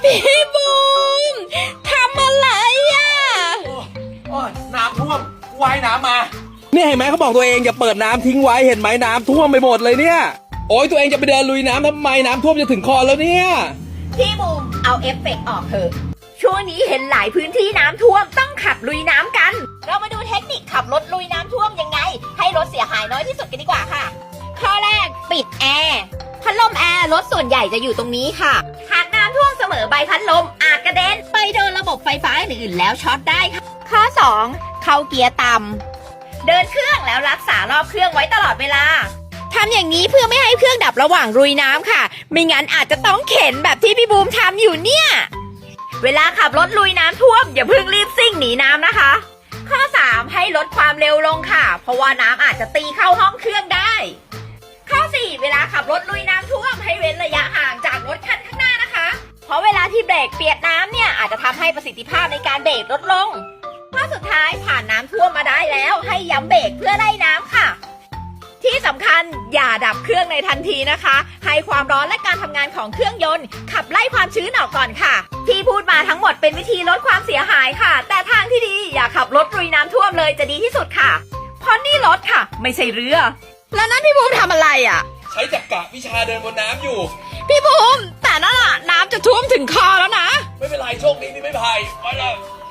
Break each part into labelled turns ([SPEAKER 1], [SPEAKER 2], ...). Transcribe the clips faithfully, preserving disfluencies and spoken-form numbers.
[SPEAKER 1] พี่บูมทำอะไรอ่ะ
[SPEAKER 2] โอ้ยน้ำท่วมว่ายน้ำมา
[SPEAKER 3] เนี่ยเห็นไหมเขาบอกตัวเองอย่าเปิดน้ำทิ้งไว้เห็นไหมน้ำท่วมไปหมดเลยเนี่ยโอ้ยตัวเองจะไปเดินลุยน้ำทำไมน้ำท่วมจะถึงคอแล้วเนี่ย
[SPEAKER 1] พี่บูมเอาเอฟเฟกต์ออกเถอะช่วงนี้เห็นหลายพื้นที่น้ำท่วมต้องขับลุยน้ำกัน เรามาดูเทคนิคขับรถลุยน้ำท่วมยังไงให้รถเสียหายน้อยที่สุดกันดีกว่าค่ะข้อแรกปิดแอร์พัดลมแอร์รถส่วนใหญ่จะอยู่ตรงนี้ค่ะหากน้ำท่วมเสมอใบพัดลมอาจกระเด็นไปโดนระบบไฟฟ้าอื่นๆแล้วช็อตได้ค่ะข้อสองเข้าเกียร์ต่ำเดินเครื่องแล้วรักษารอบเครื่องไว้ตลอดเวลาทำอย่างนี้เพื่อไม่ให้เครื่องดับระหว่างลุยน้ำค่ะไม่งั้นอาจจะต้องเข็นแบบที่พี่บูมทำอยู่เนี่ยเวลาขับรถลุยน้ำท่วมอย่าเพิ่งรีบซิ่งหนีน้ำนะคะ ข้อสามให้ลดความเร็วลงค่ะเพราะว่าน้ำอาจจะตีเข้าห้องเครื่องได้ข้อสี่เวลาขับรถลุยน้ำท่วมให้เว้นระยะห่างจากรถคันข้างหน้านะคะเพราะเวลาที่เบรกเปียกน้ำเนี่ยอาจจะทำให้ประสิทธิภาพในการเบรกลดลงข้อสุดท้ายผ่านน้ำท่วมมาได้แล้วให้ย้ำเบรกเพื่อไล่น้ำค่ะที่สำคัญอย่าดับเครื่องในทันทีนะคะให้ความร้อนและการทำงานของเครื่องยนต์ขับไล่ความชื้นออกก่อนค่ะที่พูดมาทั้งหมดเป็นวิธีลดความเสียหายค่ะแต่ทางที่ดีอย่าขับรถลุยน้ำท่วมเลยจะดีที่สุดค่ะเพราะนี่รถค่ะไม่ใช่เรือแล้วนั่นพี่บูมทำอะไรอ่ะ
[SPEAKER 3] ใช้จักระวิชาเดินบนน้ำอยู่
[SPEAKER 1] พี่บูมแต่นั่นน่ะน้ำจะท่วมถึงคอแล้วนะ
[SPEAKER 3] ไม่เป็นไรโชคดีที่ไม่พายไปละ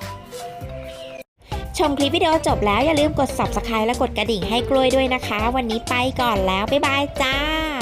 [SPEAKER 4] ชมคลิปวิดีโอจบแล้วอย่าลืมกด ซับสไครบ์ และกดกระดิ่งให้กล้วยด้วยนะคะวันนี้ไปก่อนแล้วบ๊ายบายจ้า